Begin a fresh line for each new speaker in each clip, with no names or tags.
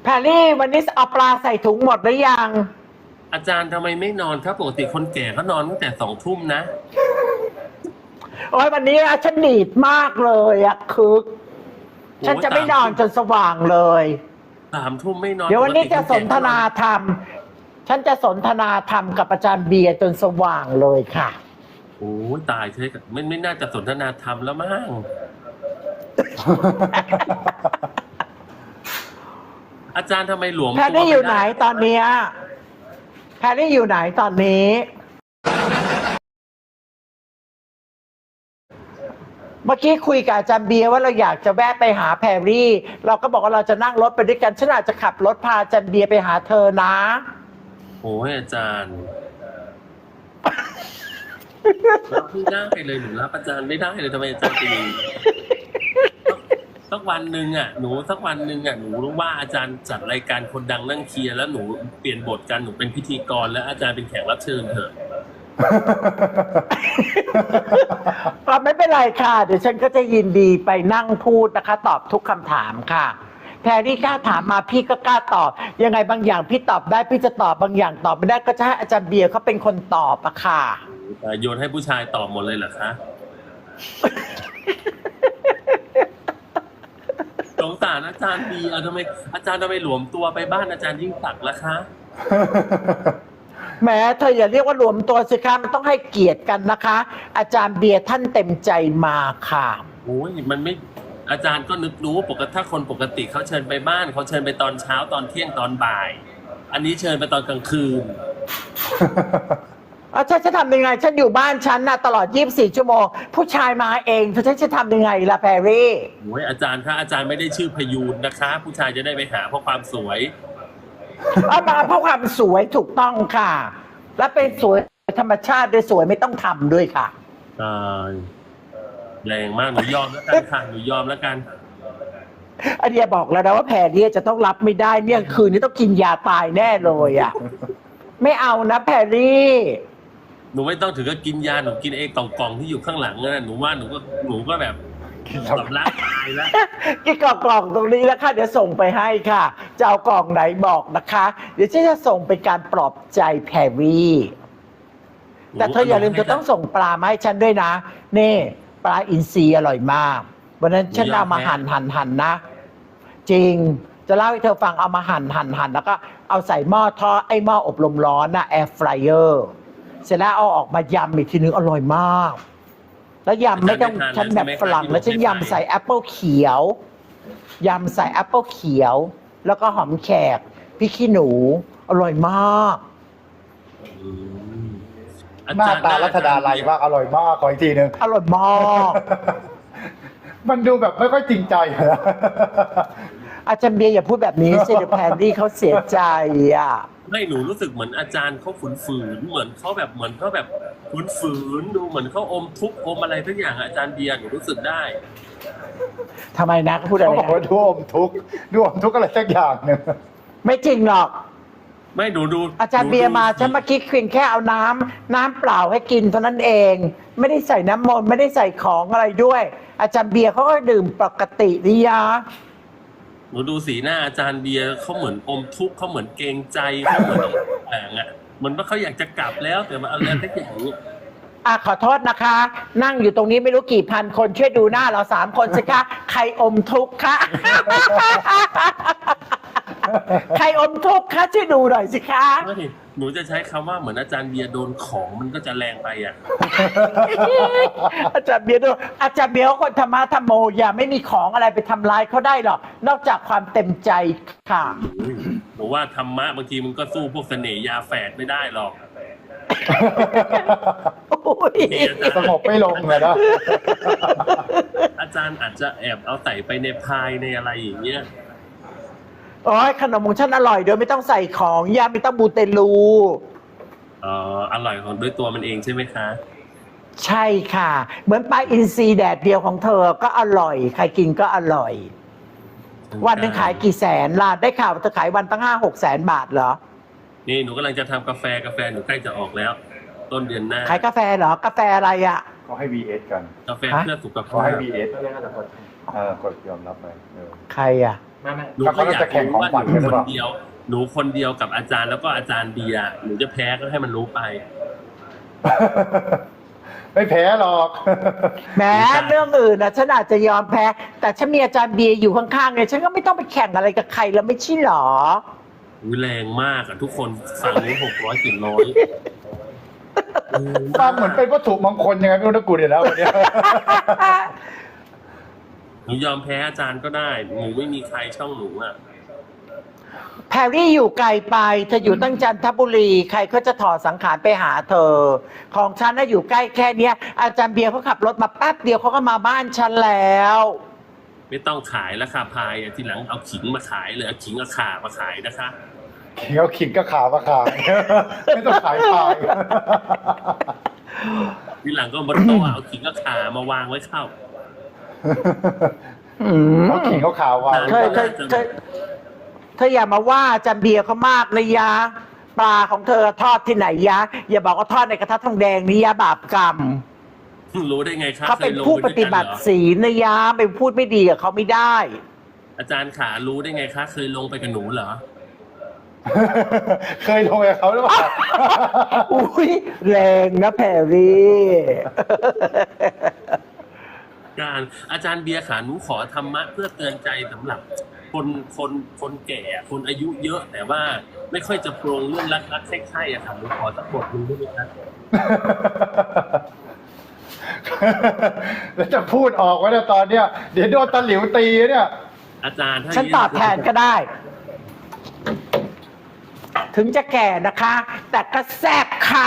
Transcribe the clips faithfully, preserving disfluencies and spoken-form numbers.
แพรรี่วันนี้เอาปลาใส่ถุงหมดหรือยัง
อาจารย์ทำไมไม่นอนครับปกติคนแก่เขานอนตั้งแต่สองทุ่มนะ
โอ้ยวันนี้ฉันหนีดมากเลยอะคือฉันจะไม่นอนจนสว่างเลย
สามทุ่มไม่นอน
เดี๋ยววันนี้จะสนทนาธรรมฉันจะสนทนาธรรมกับอาจารย์เบียร์จนสว่างเลยค่ะ
โอ้ตายใช่ไม่ไม่น่าจะสนทนาธรรมแล้วมั้งอาจารย์ทำไมหลวม
แพรรี่อยู่ไหนตอนนี้แพรรี่อยู่ไหนตอนนี้เมื่อกี้คุยกับอาจารย์เบียร์ว่าเราอยากจะแวะไปหาแพรรี่เราก็บอกว่าเราจะนั่งรถไปด้วยกันฉันอาจจะขับรถพาอาจารย์เบียร์ไปหาเธอนะ
โอ้ยอาจารย์รับไม่ได้เลยหนูรับอาจารย์ไม่ได้เลยทำไมอาจารย์ตีสักวันหนึ่งอ่ะหนูสักวันหนึ่งอ่ะหนูรู้ว่าอาจารย์จัดรายการคนดังนั่งเคลียร์แล้วหนูเปลี่ยนบทกันหนูเป็นพิธีกรแล้วอาจารย์เป็นแขกรับเชิญเถอะ
ก็ไม่เป็นไรค่ะเดี๋ยวฉันก็จะยินดีไปนั่งพูดนะคะตอบทุกคำถามค่ะแพรรี่กล้าถามมาพี่ก็กล้าตอบยังไงบางอย่างพี่ตอบได้พี่จะตอบบางอย่างตอบไม่ได้ก็จะให้อาจารย์เบียร์เขาเป็นคนตอบอะค่ะ
โยนให้ผู้ชายตอบหมดเลยเหรอคะสงสารอาจารย์เบียร์ทำไมอาจารย์ทำไมหลวมตัวไปบ้านอาจารย์ยิ่งศักดิ์ล่ะคะ
แม้เธออย่าเรียกว่ารวมตัวสิคะมันต้องให้เกียรติกันนะคะอาจารย์เบียร์ท่านเต็มใจมาค่ะ
โอ้ยมันไม่อาจารย์ก็นึกรู้ปกติถ้าคนปกติเขาเชิญไปบ้านเขาเชิญไปตอนเช้าตอนเที่ยงตอนบ่ายอันนี้เชิญไปตอนกลางคืน
อ๋อฉันจะทำยังไงฉันอยู่บ้านฉันน่ะตลอดยี่สิบสี่ชั่วโมงผู้ชายมาเองฉันจะทำยังไงล่ะแพรรี่
โอ้ยอาจารย์ถ้าอาจารย์ไม่ได้ชื่อพยูนนะคะผู้ชายจะได้ไปหาเพราะความสวย
เอามาเพราะความสวยถูกต้องค่ะและเป็นสวยธรรมชาติด้วยสวยไม่ต้องทำด้วยค่ะ
ตายแรงมากหนูยอมแล้วกันค่ะหนูยอมแล้วกัน
อันเดียบอกแล้วนะว่าแพรรี่จะต้องรับไม่ได้เนี่ยคืนนี้ต้องกินยาตายแน่เลยอ่ะไม่เอานะแพรรี่
หนูไม่ต้องถึงกับกินยาหนูกินเองกล่องๆที่อยู่ข้างหลังนั่นหนูว่าหนูก็หนูก็แบบสำลักตายแล้ว
กินกล่องตรงนี้แล้วค่ะเดี๋ยวส่งไปให้ค่ะจะเอากล่องไหนบอกนะคะเดี๋ยวฉันจะส่งเป็นการปลอบใจแพรรี่แต่เธออย่าลืมจะต้องส่งปลามาให้ฉันด้วยนะนี่ปลาอินทรีอร่อยมากวันนั้นฉันเอามาหั่นหั่นหั่นนะจริงจะเล่าให้เธอฟังเอามาหั่นหั่นหั่นแล้วก็เอาใส่หม้อทอดไอ้หม้ออบลมร้อนนะแอร์ฟรายเออร์เสร็จแล้วเอาออกมายำอีกทีนึงอร่อยมากแล้วยำไม่ต้องฉันแบบฝรั่งแล้วฉันยำใส่แอปเปิลเขียวยำใส่แอปเปิลเขียวแล้วก็หอมแขกพริกขี้หนูอร่อยมาก
หน้าตารัชดาลัยมากอร่อยมากขออีกทีนึง
อร่อยมาก
มันดูแบบไม่ค่อยจริงใจนะ
อาจารย์เบียร์อย่าพูดแบบนี้สิเดี๋ยวแพนดี้เขาเสียใจอ่ะ
ไม่หนูรู้สึกเหมือนอาจารย์เขาฝืนฝืนเหมือนเขาแบบเหมือนเขาแบบฝืนฝืนดูเหมือนเขาอมทุกอมอะไรทุกอย่างอาจารย์เบียร์หนูรู้สึกได้
ทำไมนะเขาพูดอะไร
เขาบอกว่าดูอมทุกดูอมทุกอะไรสักอย่างหนึ่ง
ไม่จริงหรอก
ไม่ดูดู
อาจารย์เบียร์มาฉันเมื่อกี้เพียงแค่เอาน้ำน้ำเปล่าให้กินเท่านั้นเองไม่ได้ใส่น้ำมนต์ไม่ได้ใส่ของอะไรด้วยอาจารย์เบียร์เขาก็ดื่มปกตินี่ยา
หนูดูสีหน้าอาจารย์เบียร์เขาเหมือนอมทุกข์เขาเหมือนเกรงใจเขาเหมือนแหงอ่ะเหมือนว่าเขาอยากจะกลับแล้วแต่มาอะไรสักอย่าง
อ่ะขอโทษนะคะ นั่งอยู่ตรงนี้ไม่รู้กี่พันคนช่วยดูหน้าเราสามคนสิคะใครอมทุกข์คะใครอมทุกข์คะช่วยดูหน่อยสิคะ
หนูจะใช้คำว่าเหมือนอาจารย์เบียร์โดนของมันก็จะแรงไปอ่ะ
อาจารย์เบียร์ดูอาจารย์เบียร์คนธรรมะธรรมโมอย่าไม่มีของอะไรไปทำร้ายเขาได้หรอกนอกจากความเต็มใจค่ะ
หนูว่าธรรมะบางทีมันก็สู้พวกเสน่ห์ยาแฝดไม่ได้หรอก
สงบไม่ลงเลยนะ
อาจารย์อาจจะแอบเอาใส่ไปในพายในอะไรอย่างเงี้ย
โอ้ยขนมของฉันอร่อยโดยไม่ต้องใส่ของยาไม่ต้องบูเตลู
อ๋ออร่อยของด้วยตัวมันเองใช่ไหมคะ
ใช่ค่ะเหมือนปลาอินทรีแดดเดียวของเธอก็อร่อยใครกินก็อร่อยวันนึงขายกี่แสนล่ะได้ข่าวเธอขายวันตั้งห้าหกแสนบาทเหรอ
นี่หนูกำลังจะทำกาแฟกาแฟหนูใกล้จะออกแล้วต้นเดือนหน้า
ขายกาแฟเหรอกาแฟอะไรอ่ะ
เขาให้ วี เอส กัน
กาแฟเพื่อสุขภาพ
เขาให้ วี เอส เออกดยอมรับไป
ใครอ่ะ
หนูก็อยากรู้ว่าหนูคนเดียวหนูคนเดียวกับอาจารย์แล้วก็อาจารย์เบียร์หนูจะแพ้ก็ให้มันรู้ไป
ไม่แพ้หรอก
แม้เรื่องอื่นนะฉันอาจจะยอมแพ้ แต่ฉันมีอาจารย์เบียร์อยู่ข้างๆไงฉันก็ไม่ต้องไปแข่งอะไรกับใครแล้วไม่ใช่หรอ
อุ๊ยแรงมากอะทุกคนฟังนี้หกร้อยสี่ร้อย
ฟังเหมือนเป็นวัตถุมงคลยังไงไม่รู้นะกูเนี่ยนะวันเนี้ย
หนูยอมแพ้อาจารย์ก็ได้หนูไม่มีใครช่องหนูอะ
แพรรี่อยู่ไกลไปเธออยู่ตั้งจันทบุรีใครก็จะถอดสังขารไปหาเธอ ของฉันน่ะอยู่ใกล้แค่เนี้ย อาจารย์เบียร์เขาขับรถมาแป๊บเดียวเขาก็มาบ้านฉันแล้ว
ไม่ต้องขายแล้วค่ะพายอะทีหลังเอาขิงมาขายเลยเอาขิงกับข่ามาขายนะคะ
ขิงเอาขิงก็ขามาขาย ไม่ต้องขายขาย
ทีหลังก็บนโต๊ะเอาขิงกับข่ามาวางไว้เข้า
อืม
เอาขิงเขาขาววาง
เธอเธอเธอเธออย่ามาว่าอาจารย์เบียร์เขามากเลยยะปลาของเธอทอดที่ไหนยะ อย่าบอกว่าทอดในกระทะทองแดงนี่ยะบาปกรรม
รู้ได้ไงคะ
เขาเป็น
คยลง
ผู้ป
ด้วย
ฏิ
กัน
บั
เห
ติ
รอ
ศีลนะยะไปพูดไม่ดีกับเขาไม่ได้
อาจารย์ขารู้ได้ไงคะเคยลงไปกับหนูเหรอ
เคยลงกับเขาหรือเปล่า
อุ้ยแรงนะแพรรี่
การอาจารย์เบียร์ขาหนูขอธรรมะเพื่อเตือนใจสำหรับ คนคนคนแก่คนอายุเยอะ แต่ว่าไม่ค่อยจะโปรงเรื่องรักรักใช่ๆอะค่ะหนูขอสักบทหนึงได้ไหมครับ
แล้วจะพูดออกไว้เนี่ยตอนเนี้ยเดี๋ยวโดนตะหลิวตีเนี่ย
อาจารย์ถ้า
ฉันตอบแทนก็ได้ ถึงจะแก่นะคะ แต่ก็แซ่บค่ะ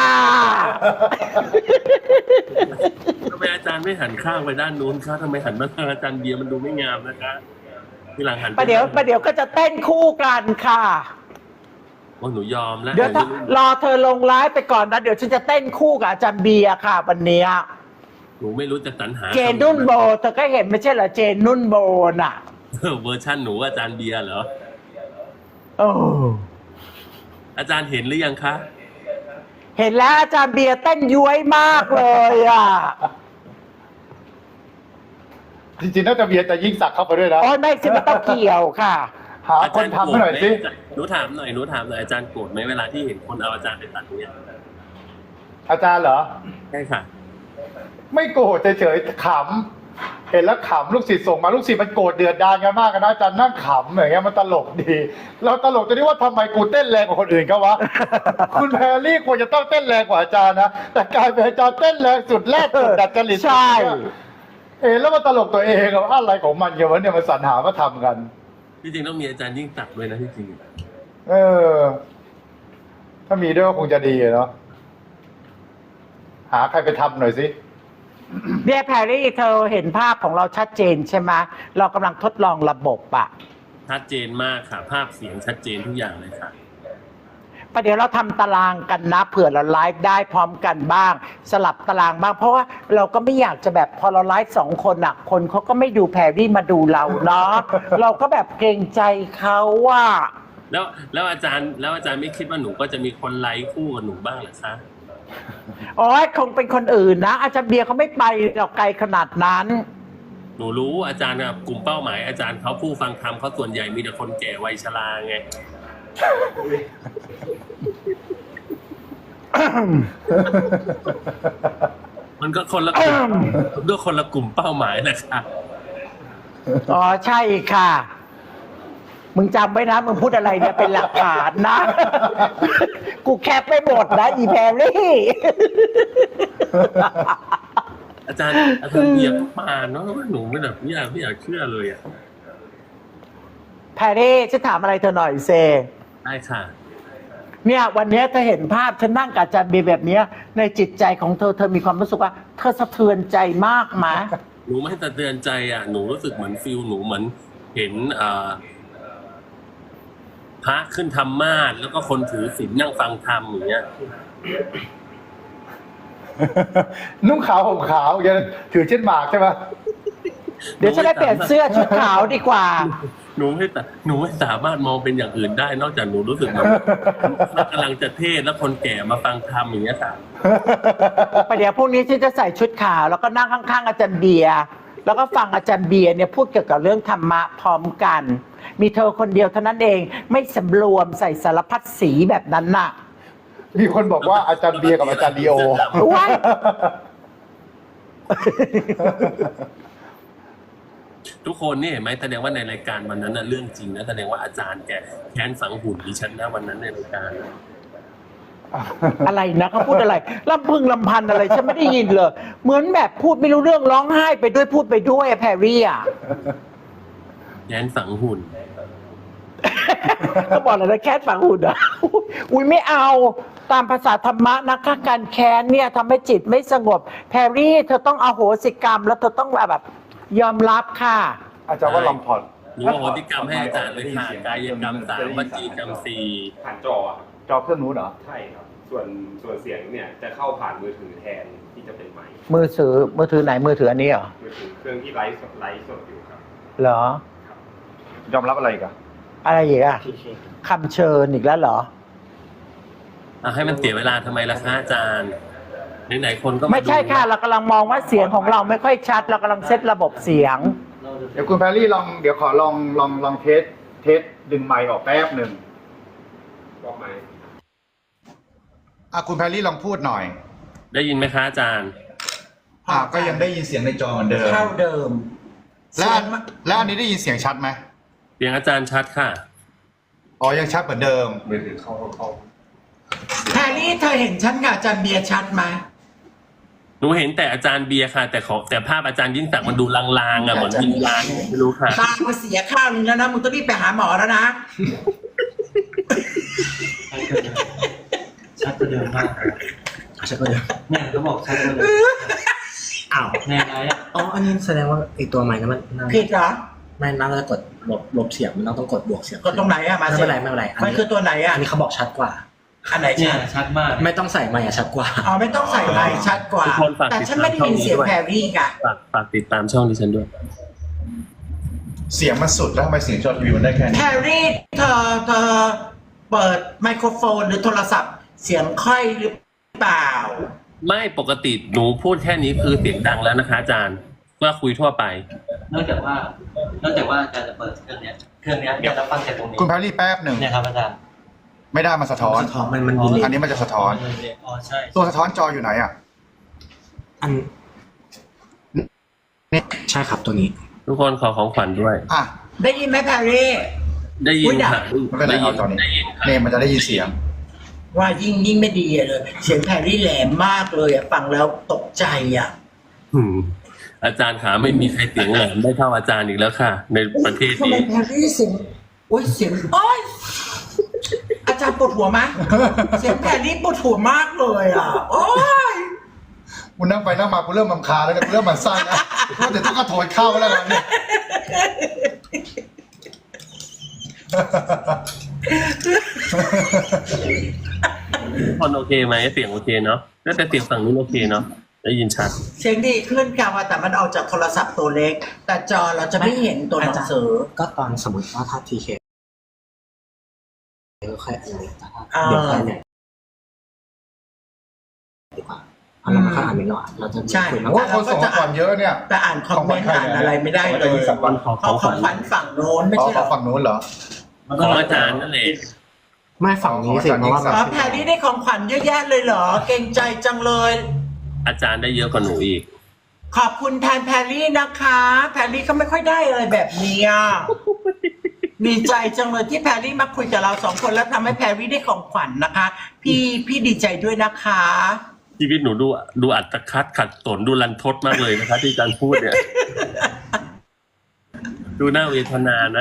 ทำไมอาจารย์ไม่หันข้างไปด้านนู้นคะทำไมหันมาทางอาจารย์เบียร์มันดูไม่งามนะคะทีหลังหันไ
ประเดี๋ยวประเดี๋ยวก็จะเต้นคู่กันค่ะ
โอ้หนูยอมแล้ว
เดี๋ยวถ้ารอเธอลงไลฟ์ไปก่อนนะ เดี๋ยวฉันจะเต้นคู่กับอาจารย์เบียร์ค่ะวันเนี้ย
หนูไม่รู้จะสรรหา
เจนนุ่นโบเธอก็เห็นไม่ใช่เหรอเจนนุ่นโบน่ะ
เออเวอร์ชันหนูอาจารย์เบียร์เหรอ
โอ้
อาจารย์เห็นหรือยังคะ
เห็นแล้วอาจารย์เบียร์เต้นย้วยมากเลยอ่ะ
จริงๆน่าจะเบียร์แต่ยิ่งสักเข้าไปด้วยนะ
โอ้ยไม่สิไม่ต้องเกี่ยวค่ะ
หาคนทำให้หน่อยสิ
หนูถามหน่อยหนูถามหน่อยอาจารย์โกรธไหมเวลาที่เห็นคนเอาอาจารย์ไปตัดเนี่ย
อาจารย์เหรอ
ใช่ค่ะ
ไม่โกรธเฉยๆขำเห็นแล้วขำลูกศิษย์ส่งมาลูกศิษย์มันโกรธเดือดดานกันมากกันนะอาจารย์นั่งขำอย่างเงี้ยมันตลกดี เราตลกจะได้ว่าทำไมกูเต้นแรงกว่าคนอื่นเขาวะ คุณแพรรี่ควรจะต้องเต้นแรงกว่าอาจารย์นะแต่กลายเป็นอาจารย์เต้นแรงสุดแรกสุดดัดจริต
ใช่
เห็นแล้วมันตลกตัวเองอะว่าอะไรของมันอย่างวะเนี่ยมันสรรหามาทำกัน
ที่จริงต้องมีอาจารย์ยิ่งตักด้วยนะที่จริง
เออ ถ้ามีด้วยก็คงจะดีอะเนาะหาใครไปทำหน่อยสิ
เนี่ยแพรรี่เธอเห็นภาพของเราชัดเจนใช่ไหมเรากำลังทดลองระบบอะ
ชัดเจนมากค่ะ ภาพเสียงชัดเจนทุกอย่างเลยค่ะ
ประเดี๋ยวเราทำตารางกันนะเผื่อเราไลฟ์ได้พร้อมกันบ้าง สลับตารางบ้าง เพราะว่าเราก็ไม่อยากจะแบบพอเราไลฟ์สองคนอะคนเขาก็ไม่ดูแพรรี่มาดูเราเนาะ เราก็แบบเกรงใจเขาว่า
แล้วแล้วอาจารย์แล้วอาจารย์ไม่คิดว่าหนูก็จะมีคนไลค์คู่กับหนูบ้างเหรอคะ
โอ้ยคงเป็นคนอื่นนะ อาจารย์เบียร์เขาไม่ไปหรอกไกลขนาดนั้น
หนูรู้อาจารย์กับกลุ่มเป้าหมายอาจารย์เขาผู้ฟังธรรมเขาส่วนใหญ่มีแต่คนแก่วัยชราไง มันก็คนละกลุ่มด้วยคนละกลุ่มเป้าหมายแหละค่ะ
อ๋อใช่ค่ะ มึงจำไว้นะ มึงพูดอะไรเนี่ยเป็นหลักฐานนะ กูแคปไปหมดนะอีแพรรี่
อาจารย์อาจารย์เบียร์มาเนาะหนูไม่แบบไม่อยากไม่อยากเชื่อเลยอ่ะ
แพรรี่ฉันถามอะไรเธอหน่อยเซ
ได้ค่ะ
เนี่ยวันเนี้ยเธอเห็นภาพฉันนั่งกับอาจารย์เบียร์แบบเนี้ย ในจิตใจของเธอเธอมีความรู้สึกว่า เธอสะเทือนใจมากไหม
หนูไม่สะเตือนใจอ่ะหนูรู้สึกเหมือนฟิลหนูเหมือนเห็นเอ่อพระขึ้นธรรมาสน์แล้วก็คนถือศีลนั่งฟังธรรมอย่างเงี้ย
นุ่งขาวห่มขาวยังถือเช่นหมากใช่ไหม
เดี๋ยวฉันได้เปลี่ยนเสื้อชุดขาวดีกว่า
หนูไม่แต่หนูไม่สามารถมองเป็นอย่างอื่นได้ นอกจากหนูรู้สึกเหมือนกำลังจะเทศน์แล้วคนแก่มาฟังธรรมอย่างเงี้ยค่ะ
ประเดี๋ยวพรุ่งนี้ฉันจะใส่ชุดขาวแล้วก็นั่งข้างๆอาจารย์เบียร์แล้วก็ฟังอาจารย์เบียร์เนี่ยพูดเกี่ยวกับเรื่องธรรมะพร้อมกัน มีเธอคนเดียวเท่านั้นเองไม่สำรวมใส่สารพัดสีแบบนั้นน่ะ
มีคนบอกว่าอาจารย์เบียร์กับอาจารย์ดีโอ
ว้าย
ทุกคนนี่เห็นไหมแสดงว่าในรายการวันนั้นน่ะเรื่องจริงนะแสดงว่าอาจารย์แกแค้นฝังหุ่นดิฉันนะวันนั้นในรายการ
อะไรนะเขาพูดอะไรลำพึงลำพันอะไรฉันไม่ได้ยินเลย เหมือนแบบพูดไม่รู้เรื่องร้องไห้ไปด้วยพูดไปด้วยอะแพรรี่อะ
แค้นฝังหุ่น
ก็บอกเลยนะแค้นฝังหุ่นอ่ะอุ้ยไม่เอาตามภาษาธรรมะนะคะการแค้นเนี่ยทำให้จิตไม่สงบแพรรี่เธอต้องอโหสิกรรมแล้วเธอต้องแบบยอมรับค่ะ
อาจารย์ว่าลองผ่อน
หนูว่าโหติกรรมให้อาจารย์เลยค่ะกายกรรมสามวจีกรรมสี่
ผ่านจออะครับ
จอเครื่องนู้นเหรอ
ใช่ครับ ส่วนส่วนเสียงเนี่ยจะเข้าผ่านมือถือแทนที่จะเป็นไมค์
มือถือมือถือไหนมือถืออันนี้เหรอ
มือถือเครื่องที่ไลฟ์สดไลฟ์สดอยู่ครับ
เหรอ
ยอมรับอะไรอีกัน
อะไรอีกอะคำเชิญอีกแล้วเหรอ
อ่ะให้มันเสียเวลาทำไมล่ะคะอาจารย์ไหนๆคนก็า
ไม่ใช่ค่ะ เรากำลังมองว่าเสียงของเราไม่ค่อยชัด เรากำลังเซตระบบเสียง
เดี๋ยวคุณแพรรี่ลองเดี๋ยวขอลองลองลองเทสเทสดึงไมค์ออกแป๊บหนึ่ง
บอกไมค์
อ่ะคุณแพรรี่ลองพูดหน่อย
ได้ยินไหมคะอาจารย์
อ่ะก็ยังได้ยินเสียงในจอเหมือนเดิม
เท่าเดิม
แล้วอันแล้วอันนี้ได้ยินเสียงชัดไหม
เสียงอาจารย์ชัดค่ะ
อ๋อยังชัดเหมือนเดิม
มือถือเข้าเข้า
แพรรี่เธอเห็นฉันกับอาจารย์เบียร์ชัดไหม
หนูเห็นแต่อาจารย์เบียร์ค่ะ แต่ขอแต่ภาพอาจารย์ยิ่งศักดิ์มันดูลางๆอ่ะเหมือนวิญญาณไม่รู้ค่ะ
ตามาเสียข้าวนึงแล้วนะมึงต้องรีบไปหาหมอแล้วนะ
ชัดกว่าเดิมมากชัดกว่าเดิมแม่ก็บอกชัดกว่าเดิมอ้าวแน่ไรอ่ะอ๋ออันนี้แสดงว่าไอตัวใหม่นั้นมันน่า
ผิดเหรอ
ไม่น่าจะกดลบลบเสียงมันต้องกดบวกเสียง
กดตรงไหนอะมา
ไม่
สิ
เป็นไรไม่เป็นไร
มันคือตัวไหนอะ
อันนี้เขาบอกชัดกว่า
อันไหน
เนี่ย
ชัด
ชัดมากไม่ต้องใส่ไมค์อะชัดกว่า
อ๋อไม่ต้องใส่ไมค์ชัดกว่า
ทุกคนฝาก
แต่ฉันไม่ได้ยินเสียง
ติดตามช่องนี้ด้วย
แพรรี่ค่ะ
ฝากฝากติดตามช่องดิฉันด้วย
เสียงมันสุดแล้วทำไมเสียงจอทีวีมันได้แค่
แพ
นี้
รรี่เธอเธอเปิดไมโครโฟนหรือโทรศัพท์ เสียงค่อยหรือเปล่า
ไม่ปกติหนูพูดแค่นี้คือเสียงดังแล้วนะคะ อาจารย์ว่าคุยทั่วไป
นอกจากว่านอกจากว่าอาจารย์จะเปิดเครื่องเนี้ยเครื่องเนี้ยจะฟังจากตรงนี้
คุณแพรรี่แป๊บหนึ่ง
เนี่ยครับอาจารย์
ไม่ได้มันสะท้อน
สะท้อนมันมันดีเลย
อันนี้มันจะสะท้อน
อ๋อใช่
ตัวสะท้อนจออยู่ไหนอ่ะ
อันนี่ใช่ครับตัวนี้
ทุกคนขอของขวัญด้วย
อ่ะ
ได้ยินไหมแพรรี่
ได้ยินค่ะ
ไม่เป็นไร
ได้ยิ
เอา
น
จอนี้
ได้ยินค่ะ
เนี่ยมันจะได้ยินเสียง
ว่ายิ่งยิ่งไม่ดีเลย เสียงแพรรี่แหลมมากเลยอะฟังแล้วตกใจอะ
อืมอาจารย์ขาไม่มีใครเสียงแหลมได้เท่าอาจารย์อีกแล้วค่ะ ในประเทศ
ทำไม
นี้
แพรรี่เสียงโอ้ยเสียงโอ้ยอาจารย์ปวดหัวไหมเสียงแพรรี่ปวดหัวมากเลยอะโอ้ย
กูนั่งไปนั่งมากูเริ่มรำคาญแล้วเนี่ยกูเริ่มหมั่นไส้แล้วว่าจะต้องกระโถนเข้าแล้วนะเนี่ย
ทุกคนโอเคไหมเสียงโอเคเนาะแล้วแต่เสียงฝั่งนู้นโอเคเนาะได้ยินชัด
เสียงดีขึ้นค่ะว่าแต่มันออกจากโทรศัพท์ตัวเล็ก แต่จอเราจะไม่เห็นตัวหนังสือ
ก็ตอนสมมติว่าถ้าทีเคก็แค่อันนี้แต่ถ้า
อ่า
เดี๋ยวแค่เนี่ยดีกว่าเพราะเราไม่ค่อยอ่านเมนต์หรอกเราจะ
ใช่
คุยมาก
โอ้คนส่งมาก่อนเยอะเนี่ย
แต่อ่านคอมเมนต์อ่านอะไรไม่ได้เลย
ของขวัญ
ขอข
เขา
องข
ขอ
วัญ
ขวัญฝั่งโน้นไม่
อ๋อ
ใช่เหร
ขอ
อ
ฝั่งนู้นเหรอ
ของอาจารย์นั่นแหละ
ไม่ฝั่งนี้สิเพราะว่า
อ๋อแพรรี่ได้ของขวัญเยอะแยะเลยเหรอ เก่งใจจังเลย
อาจารย์ได้เยอะกว่าหนูอีก
ขอบคุณแทนแพรรี่นะคะ แพรรี่ก็ไม่ค่อยได้อะไรแบบนี้อ่ะ ดีใจจังเลยที่แพรรี่มาคุยกับเราสองคนแล้วทำให้แพรรี่ได้ของขวัญนะคะ พี่พี่ดีใจด้วยนะคะ
ชีวิตหนูดูดูอัตคัดขัดสนดูรันทดมากเลยนะคะ ที่อาจารย์พูดเนี่ย ดูน่าเวทนานะ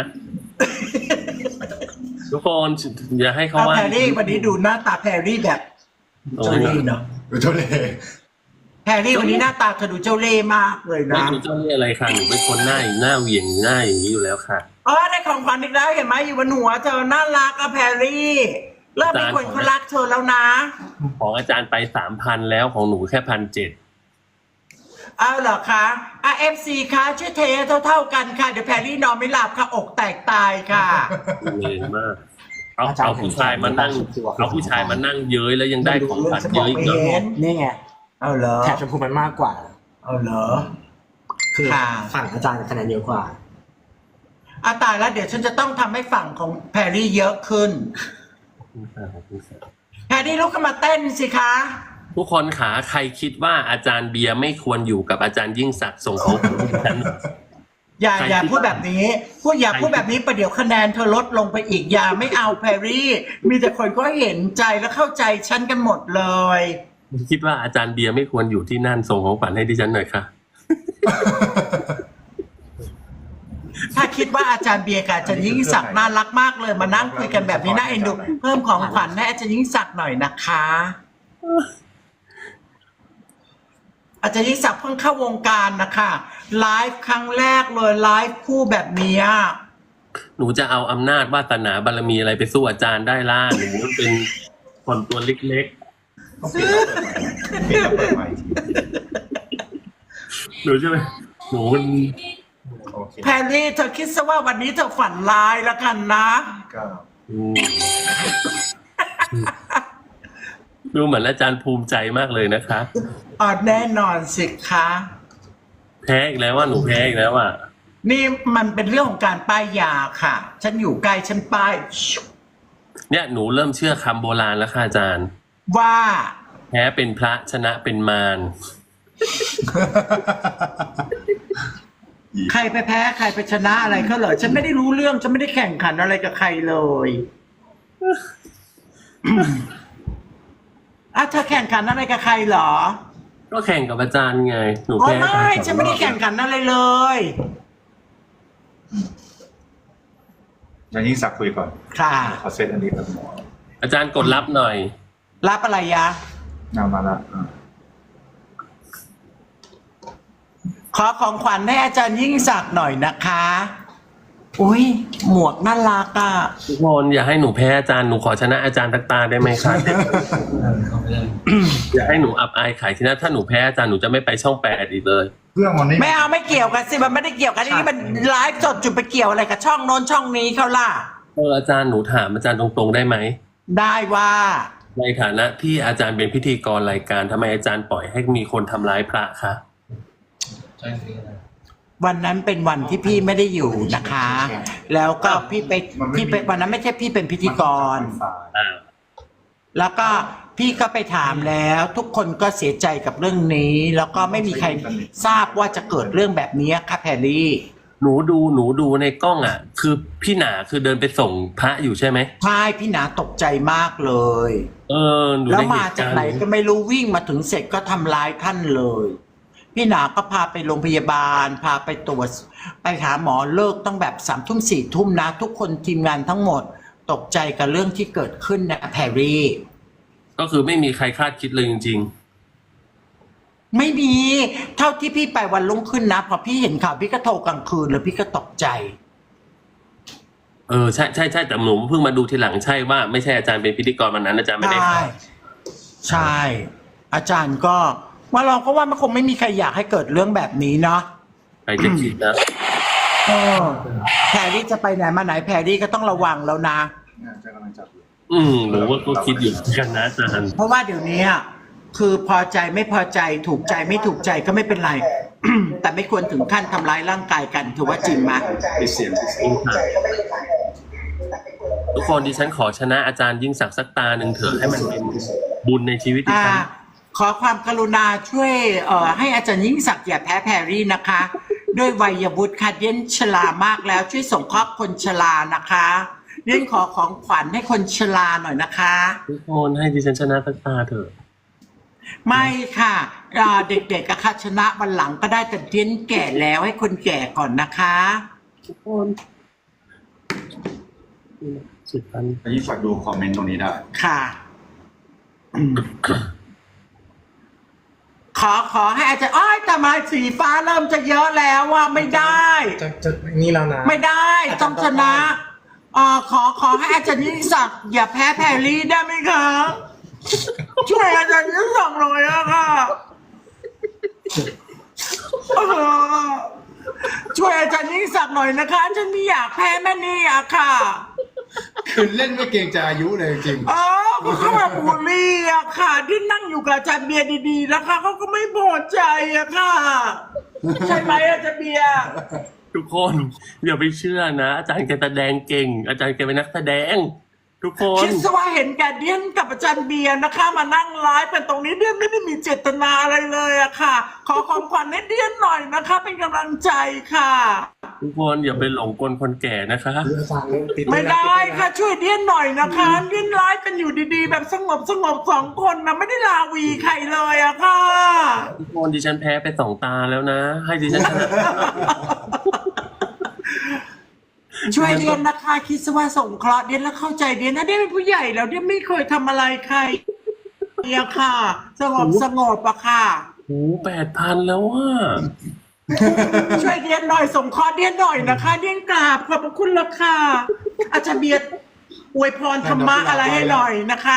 ทุกคนอย่าให้เขา
เอา
ว่า
แพรรี่วันนี้ดูหน้าตาแพรรี่แบบ
โอ้
เจ้าย เล่ห์เนาะ
ดูเท่าเลย
แพรรี่วันนี้หน้าตาเธอดูเจ้าเล่ห์มากเลย
ไม่
นะ
รู้เจ้าเรียกอะไรค่ะหนูเป็นคนหน้าหน้าเหวี่ยงหน้าอย่างนี้อยู่แล้วค่ะ
อ๋อได้ของขวัญอีกแล้วเห็นไหมอยู่บนหัวเธอน่ารักอะแพรรี่เริ่มมีคนเขารักเธอแล้วนะ
ของอาจารย์ไปสามพันแล้วของหนูแค่พันเจ็ด
เอาเหรอคะอ่ะเอฟซีคะช่วยเทเท่าเท่าๆกันค่ะ เดี๋ยวแพรรี่นอนไม่หลับค่ะ อกแตกตายค่ะ
เลยมาก เอาเอาผู้ชายมานั่ง เอาผู้ชายมานั่งเย้ยแล้วยังได้ของขวัญเยอะอีกเหรอ
ไม่เห็น
นี่ไง
เอาเหรอ
แถบชมพูมันมากกว่า
เอาเหรอ
คือ
ค่ะ
ฝั่งอาจารย์คะแนนเยอะกว่า
อาตายแล้วเดี๋ยวฉันจะต้องทำให้ฝั่งของแพรรี่เยอะขึ้น แพรรี่ลุกขึ้นมาเต้นสิคะ
ทุกคนขาใครคิดว่าอาจารย์เบียร์ไม่ควรอยู่กับอาจารย์ยิ่งศักดิ์ส่งของผมให้ฉัน
อย่า
ใคร
อย่า
คิด
พูดแบบนี้พูดอย่า
ใคร
พูดแบบนี้ประเดี๋ยวคะแนนเธอลดลงไปอีกอย่าไม่เอาแพรรี่ มีแต่คนก็เห็นใจและเข้าใจฉันกันหมดเลย
คิดว่าอาจารย์เบียร์ไม่ควรอยู่ที่นั่นส่งของขวัญให้ดิฉันหน่อยค่ะ
ถ้าคิดว่าอาจารย์เบียร์กับอาจารย์ยิ่งศักดิ์น่ารักมากเลยมานั่งคุยกันแบบนี้น่าเอ็นดูเพิ่มของขวัญให้อาจารย์ยิ่งศักดิ์หน่อยนะคะ อาจารย์ยิ่งศักดิ์เพิ่งเข้าวงการนะคะไลฟ์ครั้งแรกเลยไลฟ์คู่แบบนี้
หนูจะเอาอำนาจวาสนาบารมีอะไรไปสู้อาจารย์ได้ล่ะหนูเป็นคนตัวเล็ก
ต้องเปลี่ยนเปลี่ยนเปิดใหม่ที
ๆหนูใช่ไหมหนูมัน
โอเค
แพรรี่เธอคิดซะว่าวันนี้เธอฝันร้ายแล้วกันนะ
ก็
อืมดูเหมือนอาจารย์ภูมิใจมากเลยนะคะ
อ๋อแน่นอนสิคะ
แพ้อีกแล้วว่าหนูแพ้อีกแล้วอ่ะ
นี่มันเป็นเรื่องของการป้ายยาค่ะ ฉันอยู่ใกล้ฉันป้าย
เนี่ยหนูเริ่มเชื่อคำโบราณแล้วค่ะอาจารย์
ว่า
แพ้เป็นพระชนะเป็นมาร
ใครไปแพ้ใครไปชนะอะไรเขาเหรอฉันไม่ได้รู้เรื่องฉันไม่ได้แข่งขันอะไรกับใครเลยอ่ะเธอแข่งขันอะไรกับใครเหรอ
ก็แข่งกับอาจารย์ไง หนู
อ๋อ
แพ้อาจาร
ไม่
ย์ส
ฉั
อนง
ไม่
ร
ได้
อบ
แข่งขันอะไรเลย
อย่างนี้สักคุยก่อน
ค่ะ
ขอเซตอันนี้แบบหมอ
อาจารย์กดรับหน่อย
รับอะไรยะ
นำมาละอ่ะ
ขอของขวัญให้อาจารย์ยิ่งศักดิ์หน่อยนะคะ อุ้ยหมวกน่ารักอ่ะ
ทุกคนอย่าให้หนูแพ้อาจารย์หนูขอชนะอาจารย์ทักตาได้ไหมคะ อย่าให้หนูอับอายขายที่นั่นถ้าหนูแพ้อาจารย์หนูจะไม่ไปช่องแปดอีกเลย
เครื่องมันนี่
ไม่เอาไม่เกี่ยวกันสิมันไม่ได้เกี่ยวกันนี่มันไลฟ์สดจุดไปเกี่ยวอะไรกับช่องโน้นช่องนี้เขาล่ะ
เอออาจารย์หนูถามอาจารย์ตรงๆได้ไหม
ได้ว่า
ในฐานะที่อาจารย์เป็นพิธีกรรายการทำไมอาจารย์ปล่อยให้มีคนทำร้ายพระคะ
วันนั้นเป็นวันที่พี่ไม่ได้อยู่นะคะ แล้วก็พี่ไปพี่ไปวันนั้นไม่ใช่พี่เป็นพิธีกร
อ่า
แล้วก็พี่ก็ไปถามแล้ว ทุกคนก็เสียใจกับเรื่องนี้ แล้วก็ไม่มีใครทราบว่าจะเกิดเรื่องแบบนี้ค่ะแพรรี่
หนูดูหนูดูในกล้องอ่ะ คือพี่หนาคือเดินไปส่งพระอยู่ใช่ไหม
ใช่พี่หนาตกใจมากเลย
เออหนู
แล้ว
ในเห
มา
ตุ
จาก
การณ์
ไหนก็ไม่รู้วิ่งมาถึงเสร็จก็ทำร้ายท่านเลย พี่หนาก็พาไปโรงพยาบาล พาไปตรวจไปหาหมอเลิกต้องแบบสามทุ่มสี่ทุ่มนะ ทุกคนทีมงานทั้งหมดตกใจกับเรื่องที่เกิดขึ้นนะแพรรี่
ก็คือไม่มีใครคาดคิดเลยจริง
ไม่มีเท่าที่พี่ไปวันรุ่งขึ้นนะพอพี่เห็นข่าวพี่ก็โทรกลางคืนแล้วพี่ก็ตกใจ
ๆ เออใช่ใช่ใช่แต่หนูเพิ่งมาดูทีหลังใช่ว่าไม่ใช่อาจารย์เป็นพิธีกรวันนั้นอาจารย์ไม่ได้
ใช่ใช่ อาจารย์ก็ว่าเราก็ว่ามันคงไม่มีใครอยากให้เกิดเรื่องแบบนี้เนาะ
ใครจะคิดนะ
เออแพรรี่จะไปไหนมาไหนแพรรี่ก็ต้องระวังแล้วนะ
เนี่ยจะกำลังจับอยู่
อืมหนูว่าก็คิดอยู่เหมือนกันนะอาจารย์
เพราะว่าเดี๋ยวนี้อะคือพอใจไม่พอใจถูกใจไม่ถูกใจก็ไม่เป็นไร แต่ไม่ควรถึงขั้นทำร้ายร่างกายกันถือว่าจริงไหม
ปิดเสียงปิดเสียง
ทุกคนดิฉันขอชนะอาจารย์ยิ่งศักดิ์สักตาหนึ่งเถอะให้มันเป็นบุญในชีวิตดิ
อ่า
ฉัน
ขอความกรุณาช่วยเอ่อให้อาจารย์ยิ่งศักดิ์อย่าแพ้แพรรี่นะคะ ด้วยวัยวุฒิค่ะเย็นชรามากแล้วช่วยส่งเคราะห์คนชรานะคะเรียนขอของขวัญให้คนชราหน่อยนะคะ
ทุกคนให้ดิฉันชนะสักตาเถอะ
ไม่ค่ะอ่าเด็กๆกับค่ะชนะวันหลังก็ได้แต่เรียนแก่แล้วให้คนแก่ก่อนนะคะ
ทุกคนสุดพัน
อันนี้ฝากดูคอมเมนต์ตรงนี้ได้
ค่ะอืมขอขอให้อาจารย์อ้อยแต่มาสีฟ้าเริ่มจะเยอะแล้วว่าไม่ได้
จะจะนี่แล้วนะ
ไม่ได้ต้องชนะอ่าขอขอให้อาจารย์ยิ่งศักดิ์อย่าแพ้แพรรี่ได้ไหมคะช่วยอาจารย์ยิ่งศักดิ์หน่อยอะค่ะเออช่วยอาจารย์ยิ่งศักดิ์หน่อยนะคะฉันไม่อยากแพ้แม่นี่อะค่ะ
คือเล่นไม่เกรงใจอายุเลยจริง
เออเขาแบบบูลลี่อะค่ะ ที่นั่งอยู่กับอาจารย์เบียร์ดีๆนะคะเขาก็ไม่พอใจอะค่ะใช่ไหมอาจารย์เบียร์
ทุกคนอย่าไปเชื่อนะ อาจารย์แกแสดงเก่ง อาจารย์แกเป็นนักแสดง ทุกคน
คิดซะว่าเห็นแกเดียนกับอาจารย์เบียร์นะคะ มานั่งไลฟ์เป็นตรงนี้เดียนไม่ได้มีเจตนาอะไรเลยอะค่ะ ขอของขวัญให้เดียนหน่อยนะคะ เป็นกำลังใจค่ะ
ทุกคนอย่าไปหลงกลคนแก่นะคะ
คืออาจารย์ติด
ไม่ได้ค่ะช่วยเดียนหน่อยนะคะเดียนไลฟ์กันอยู่ดีๆ แบบสงบสงบสองคนนะไม่ได้ลาวีใครเลยอะค่ะ
ทุกคนดิฉันแพ้ไปสองตาแล้วนะ ให้ดิฉันชนะ
ช่วยเดียนนะคะคิดซะว่าสงเคราะห์เดียนแล้วเข้าใจเดียนนะเดียนเป็นผู้ใหญ่แล้วเดียนไม่เคยทำอะไรใครเนี่ยค่ะ สงบสงบอะค่ะ
โอ้แปดพันแล้วอ่ะ
ช่วยเดียนหน่อยสงเคราะห์เดียนหน่อยนะคะเดียนกราบขอบพระคุณละค่ะอาจารย์เบียร์อวยพรธรรมะอะไรให้หน่อยนะคะ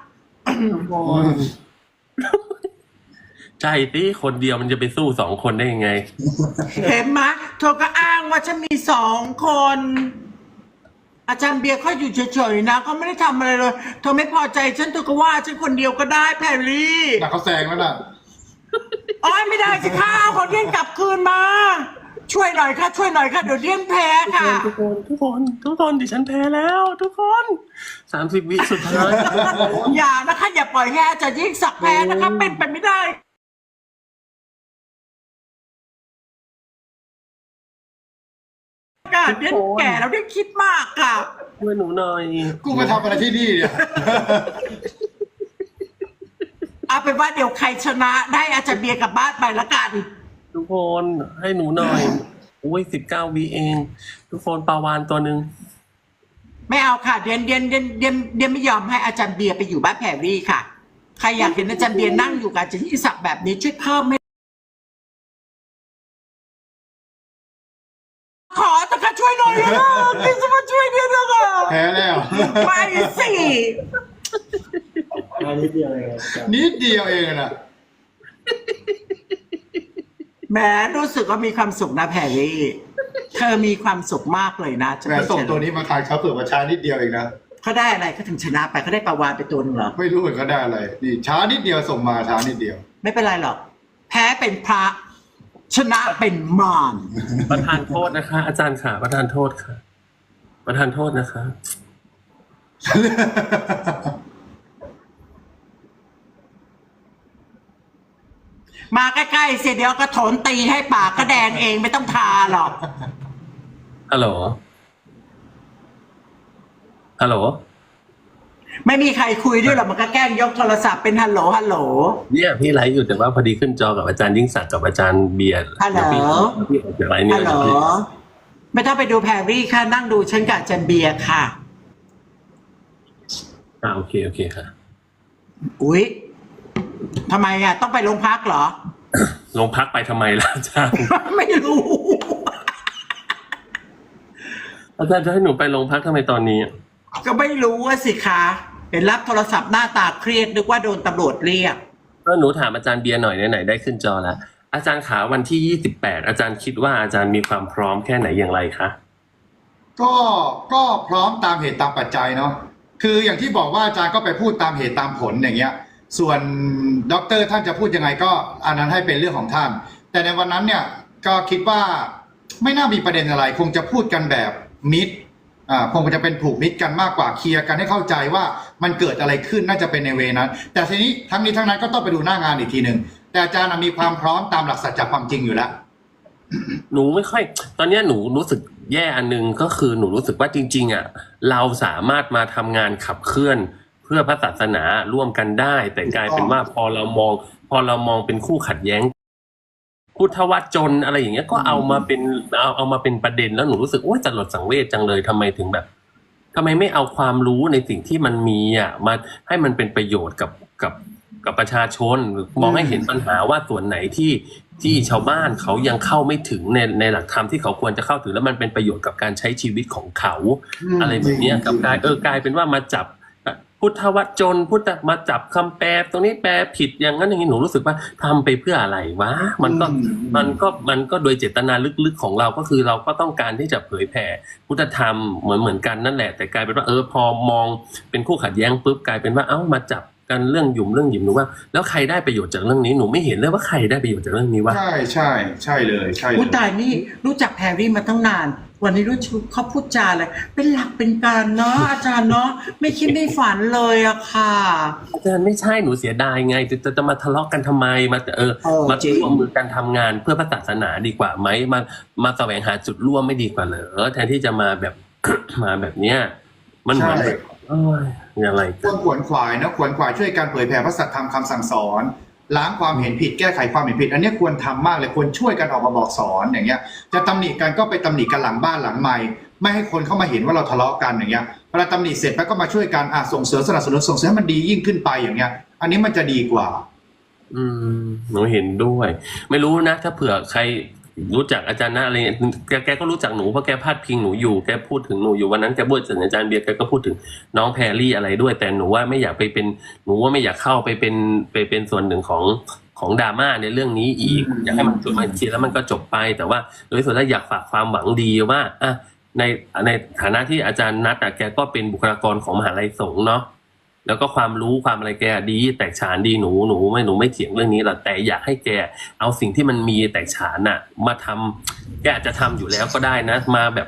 ใช่สิคนเดียวมันจะไปสู้สองคนได้ยังไง
เห็นไหมเธอก็อ้างว่าฉันมีสองคน อาจารย์เบียร์เขาอยู่เฉยๆนะเขาไม่ได้ทำอะไรเลยเธอไม่พอใจฉันเธอก็ว่าฉันคนเดียวก็ได้แพรรี่
แต่เขาแซงแล้วน่ะ
อ๋อไม่ได้สิค่ะขอเดียนกลับคืนมา ช่วยหน่อยค่ะ ช่วยหน่อยค่ะเดี๋ยวเดียนแพ้ค่ะ
ทุกคนทุกคนทุกคนดิฉันแพ้แล้ว ทุกคนสามสิบวิสุดท้าย
อย่านะคะ อย่าปล่อยให้อาจารย์ยิ่งศักดิ์แพ้นะคะ เป็นไปไม่ได้ค่ะเดียนแก่แล้วเดียนคิดมากค่ะ
ช่วยหนูหน่อย
กูมาทำอะไรที่นี่เนี่ย
เอาเป็นว่าเดี๋ยวใครชนะได้อาจารย์เบียร์กลับบ้านไปละกัน
ทุกคนให้หนูหน่อยอุ้ยสิบเก้าวิเอง ทุกคนปลาวานตัวหนึ่ง
ไม่เอาค่ะเดียนเดียนเดียนเดียนเดียนไม่ยอมให้อาจารย์เบียร์ไปอยู่บ้านแพรรี่ค่ะใครอยากเห็นอาจารย์เบียร์นั่งอยู่กับอาจารย์ยิ่งศักดิ์แบบนี้ช่วยเพิ่มให้ขอตะคะช่วยหน่อยนะพี่จะมาช่วยเดียนนะคะ
แพ้แล้ว
ไม่สิ
อันนี้เดียวเลยอาจารย์
นิดเดียวเองน่ะ
แหมรู้สึกว่ามีความสุขนะแพรรี่เธอมีความสุขมากเลยนะจะ
แม่
ไม่
ส่ง
เฉลย
ตัวนี้มาทานเขาเผื่อมาช้านิดเดียวเองนะ
เขาได้อะไรเขาถึงชนะไปเขาได้ปลาวานไปตัวหนึงเหรอ
ไม่รู้เหมือนเขาได้อะไรนี่ช้านิดเดียวส่งมาช้านิดเดียว
ไม่เป็นไรหรอก แพ้เป็นพระ ชนะเป็นมาร
ประทานโทษนะคะ อาจารย์ค่ะ ประทานโทษค่ะ ประทานโทษนะคะ
มาใกล้ๆเสียเดี๋ยวกระโถนตีให้ปากก็แดงเองไม่ต้องทาหรอก
ฮัลโหล ฮัลโหล
ไม่มีใครคุยด้วยหรอกมันก็แกล้งยกโทรศัพท์เป็นฮัลโหลฮัลโหล
เนี่ยพี่ไลฟ์อยู่แต่ว่าพอดีขึ้นจอกับอาจารย์ยิ่งศักดิ์กับอาจารย์เบียร์
ฮัลโหล
เดี๋ยวพี่พี่ออกจากไลฟ์เนี่ย
ฮัลโหลไม่ต้องไปดูแพรรี่ค่ะนั่งดูฉันกับอาจันเบียร์ค่ะ
อ่าโอเคโอเคค่ะ
อุ๊ยทำไมอ่ะต้องไปโรงพักเหรอ
ลงพักไปทำไมล่ะอาจารย์
ไม่รู้
อาจารย์จะให้หนูไปโรงพักทำไมตอนนี้
ก็ไม่รู้ว่าสิคะเห็นรับโทรศัพท์หน้าตาเครียดนึกว่าโดนตำรวจเรียก
ก็หนูถามอาจารย์เบียร์หน่อยไหนๆได้ขึ้นจอแล้ว อาจารย์ขาวันที่ยี่สิบแปดอาจารย์คิดว่าอาจารย์มีความพร้อมแค่ไหนอย่างไรคะ
ก็ก็พร้อมตามเหตุตามปัจจัยเนาะคืออย่างที่บอกว่าอาจารย์ก็ไปพูดตามเหตุตามผลอย่างเงี้ย ส่วนด็อกเตอร์ท่านจะพูดยังไงก็อันนั้นให้เป็นเรื่องของท่าน แต่ในวันนั้นเนี่ยก็คิดว่าไม่น่ามีประเด็นอะไร คงจะพูดกันแบบมิตรอ่าคงจะเป็นผูกมิตรกันมากกว่าเคลียร์กันให้เข้าใจว่ามันเกิดอะไรขึ้นน่าจะเป็นในเวนั้น แต่ทีนี้ทั้งนี้ทั้งนั้นก็ต้องไปดูหน้างานอีกทีหนึ่งแต่อาจารย์มีความพร้อมตามหลักสัจจะความจริงอยู่แล้ว
หนูไม่ค่อย ตอนเนี้ยหนูรู้สึกแย่อันนึงก็คือหนูรู้สึกว่าจริง ๆอ่ะเราสามารถมาทำงานขับเคลื่อน เพื่อพระศาสนาร่วมกันได้ แต่กลายเป็นว่าพอเรามอง พอเรามองเป็นคู่ขัดแย้ง พุทธวจนอะไรอย่างเงี้ยก็เอามาเป็นเอาเอามาเป็นประเด็นแล้วหนูรู้สึกโอ๊ยสลดสังเวชจังเลยทำไมถึงแบบทำไมไม่เอาความรู้ในสิ่งที่มันมีอ่ะมาให้มันเป็นประโยชน์กับกับกับประชาชนหรือมองให้เห็นปัญหาว่าส่วนไหนที่ที่ชาวบ้านเขายังเข้าไม่ถึงในในหลักธรรมที่เขาควรจะเข้าถึงแล้วมันเป็นประโยชน์กับการใช้ชีวิตของเขา
อืม
อะไรแบบเนี้ยกับกลายเออกลายเป็นว่ามาจับพุทธวจนพุทธมาจับคำแปลตรงนี้แปลผิดอย่างนั้นอย่างนี้หนูรู้สึกว่าทำไปเพื่ออะไรวะมันก็
อืม
มันก็มันก็โดยเจตนาลึกๆของเราก็คือเราก็ต้องการที่จะเผยแผ่พุทธธรรมเหมือนเหมือนกันนั่นแหละแต่กลายเป็นว่าเออพอมองเป็นคู่ขัดแย้งปุ๊บกลายเป็นว่าเอ้ามาจับกันเรื่องหยุ่มเรื่องหยิมหนูว่าแล้วใครได้ประโยชน์จากเรื่องนี้หนูไม่เห็นเลยว่าใครได้ประโยชน์จากเรื่องนี้วะ
ใช่ใช่ใช่เลยใช่เล
อุ้
ย
ตายนี่รู้จักแพรรี่มาตั้งนาน วันนี้รู้ชุดเขาพูดจาอะไรเป็นหลักเป็นการเนาะอาจารย์เนาะไม่คิดไม่ฝันเลยอะค่ะ
อาจารย์ไม่ใช่หนูเสียดายไงจะจะจะมาทะเลาะกันทำไมมาเออ
เออ
มา
จริง
ร่วมมือกันทำงานเพื่อพระศาสนาดีกว่าไหมมามาแสวงหาจุดร่วมไม่ดีกว่าเหรอแทนที่จะมาแบบ มาแบบเนี้ยมันเหมือน
ใช่
แบบเอ้ยอะไร
ควรขวนขวายนะขวนขวายช่วยการเผยแผ่พระสัทธรรมคำสั่งสอนล้างความเห็นผิดแก้ไขความเห็นผิด อันนี้ควรทำมากเลยควรช่วยกันออกมาบอกสอนอย่างเงี้ยจะตำหนิกันก็ไปตำหนิกันหลังบ้านหลังไมค์ไม่ให้คนเข้ามาเห็นว่าเราทะเลาะกันอย่างเงี้ยเวลาตำหนิเสร็จแล้วก็มาช่วยกันอ่ะส่งเสริมสนับสนุนส่งเสริมให้มันดียิ่งขึ้นไปอย่างเงี้ยอันนี้มันจะดีกว่า
อืมหนูเห็นด้วย ไม่รู้นะ ถ้าเผื่อใครรู้จักอาจารย์นะอะไรเงี้ยแกแกก็รู้จักหนูเพราะแกพาดพิงหนูอยู่แกพูดถึงหนูอยู่วันนั้นแกพูดถึงอาจารย์เบียร์แกก็พูดถึงน้องแพรรี่อะไรด้วย แต่หนูว่าไม่อยากไปเป็นหนูว่าไม่อยากเข้าไปเป็นไปเป็นส่วนหนึ่งของของดราม่าในเรื่องนี้อีก อยากให้มันจบมาทีแล้วมันก็จบไป แต่ว่าโดยส่วนแล้วอยากฝากความหวังดีว่าอ่ะในในฐานะที่อาจารย์นัทอ่ะแกก็เป็นบุคลากรของมหาลัยสงฆ์เนาะแล้วก็ความรู้ความอะไรแกดีแตกฉานดีหนูหนูไม่หนูไม่เถียงเรื่องนี้หรอกแต่อยากให้แกเอาสิ่งที่มันมีแตกฉานน่ะ มาทำแกอาจจะทำอยู่แล้วก็ได้นะ มาแบบ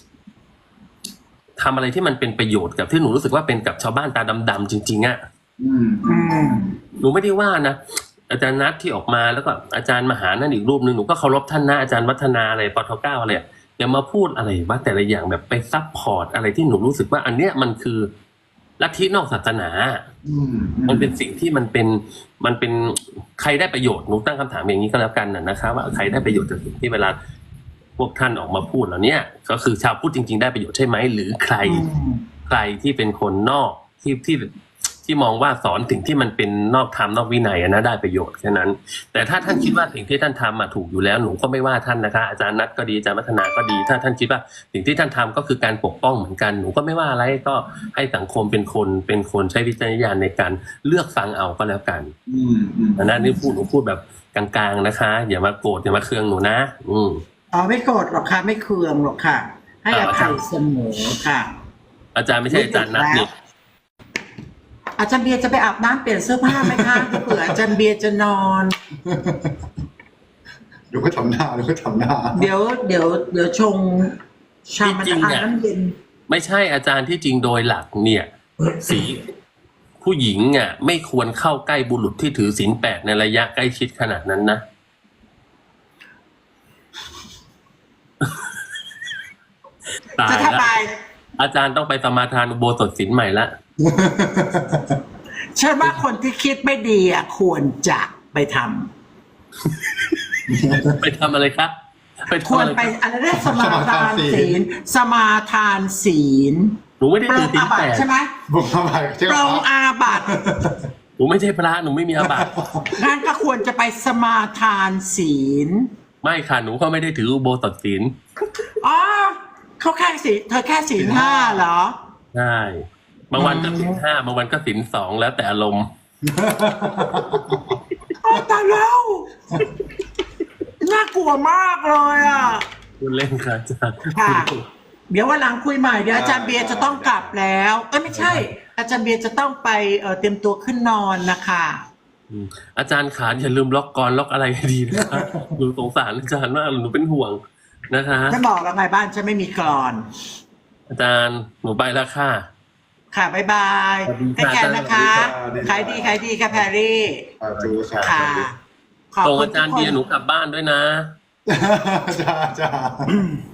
ทำอะไรที่มันเป็นประโยชน์กับที่หนูรู้สึกว่าเป็นกับชาวบ้านตาดำๆจริงๆอ่ะ
อืม
อืม
หนูไม่ได้ว่านะอาจารย์นัทที่ออกมาแล้วก็อาจารย์มหานั่นอีกรูปหนึ่งหนูก็เคารพท่านนะอาจารย์วัฒนาอะไรปทเก้าอะไรอย่ามาพูดอะไรว่าแต่ละอย่างแบบไปซัพพอร์ตอะไรที่หนูรู้สึกว่า อันเนี้ยมันคือลัทธินอกศาสนา
อืม
มันเป็นสิ่งที่มันเป็นมันเป็นใครได้ประโยชน์หนูตั้งคำถามอย่างนี้ก็แล้วกันนะนะคะว่าใครได้ประโยชน์จากสิ่งที่เวลาพวกท่านออกมาพูดเหล่านี้ก็คือชาวพุทธจริง ๆ ได้ประโยชน์ใช่ไหมหรือใคร ใครที่เป็นคนนอกที่ที่ที่มองว่าสอนสิ่งที่มันเป็นนอกธรรมนอกวินัยอะนะได้ประโยชน์แค่นั้น แต่ถ้าท่านคิดว่าสิ่งที่ท่านทำมาถูกอยู่แล้วหนูก็ไม่ว่าท่านนะคะอาจารย์นัทก็ดีอาจารย์วัฒนาก็ดี ถ้าท่านคิดว่าสิ่งที่ท่านทำก็คือการปกป้องเหมือนกันหนูก็ไม่ว่าอะไรก็ให้สังคมเป็นคนเป็นคนใช้วิจารณญาณในการเลือกฟังเอาก็แล้วกัน
อืมอืม
อันนั้นนี่พูดหนูพูดแบบกลางๆนะคะ อย่ามาโกรธอย่ามาเคืองหนูนะ อืม
อ๋อไม่โกรธหรอกค่ะไม่เคืองหรอกค่ะ ให้อภัยเสมอค่ะ
อาจารย์ไม่ใช่อาจารย์นัทนี่
อาจารย์เบียร์จะไปอาบน้ำเปลี่ยนเสื้อผ้าไหมคะเผื่ออาจารย์เบียร์จะนอน
เดี๋ยวก็ทำหน้าเดี๋ยวก็ทำหน้า
เดี๋ยวเดี๋ยวเดี๋ยวชงชามันจะอาบน้ำเย็น
ไม่ใช่อาจารย์ที่จริงโดยหลักเนี่ย สีผู้หญิงอ่ะไม่ควรเข้าใกล้บุรุษที่ถือศีลแปดในระยะใกล้ชิดขนาดนั้นนะ ตาย
จะ
แล้ว
ทำไม
อาจารย์ต้องไปสมาทานอุโบสถศีลใหม่ละ
ฉันว่าคนที่คิดไม่ดีอ่ะควรจะไปทำ
ไปทำอะไรครับไป
คว
ทำ
ร
อะไร
ไป
ครับ
อะไรได้สมาทานศีลสมาทานศีล
หนูไม่ได้
ปร
ถือง ศีล
อาบั
แป
ติ
ด
ใช่ไหม
บุกเข้าไปใช่ไห
ป
ม
รงอาบัติ
หนูไม่ใช่พระหนูไม่มีอาบัติ
งั้นก็ควรจะไปสมาทานศีล
ไม่ค่ะหนูก็ไม่ได้ถืออุโบสถศีล
อ๋อเขาแค่ศีลเธอแค่ศีลห้าเหรอ
ใช่บางวันก็ศีลห้าบางวันก็ศีลสองแล้วแต่อารมณ์
โอ้ตายแล้วน่ากลัวมากเลยอ่ะ
พูดเล่นค่ะอาจารย์
ค่ะ เดี๋ยววันหลังคุยใหม่เดี๋ยวอาจารย์เบียร์จะต้องกลับแล้วเอ้ยไม่ใช่ อาจารย์เบียร์จะต้องไปเอ่อเตรียมตัวขึ้นนอนนะคะ
อืมอาจารย์ขาอย่าลืมล็อกกรล็อกอะไรให้ดีนะคะหนูสงสารอาจารย์มากหนูเป็นห่วงนะคะ
ฉันบอกแล้วไงบ้านฉันไม่มีกรอน
อาจารย์หนูไปแล้วค่ะ
ค่ะบ๊ายบาย
สวัสดี
ให้
ค่ะ
แกนะคะขายดีขายดีค่ะแพรรี่
อ่าดูครับ
ค่ะขอบ
ส่ง
คุณ
อาจารย์
ทุกค
เบียร์หนูกลับบ้านด้วยนะ
จ้าจ้า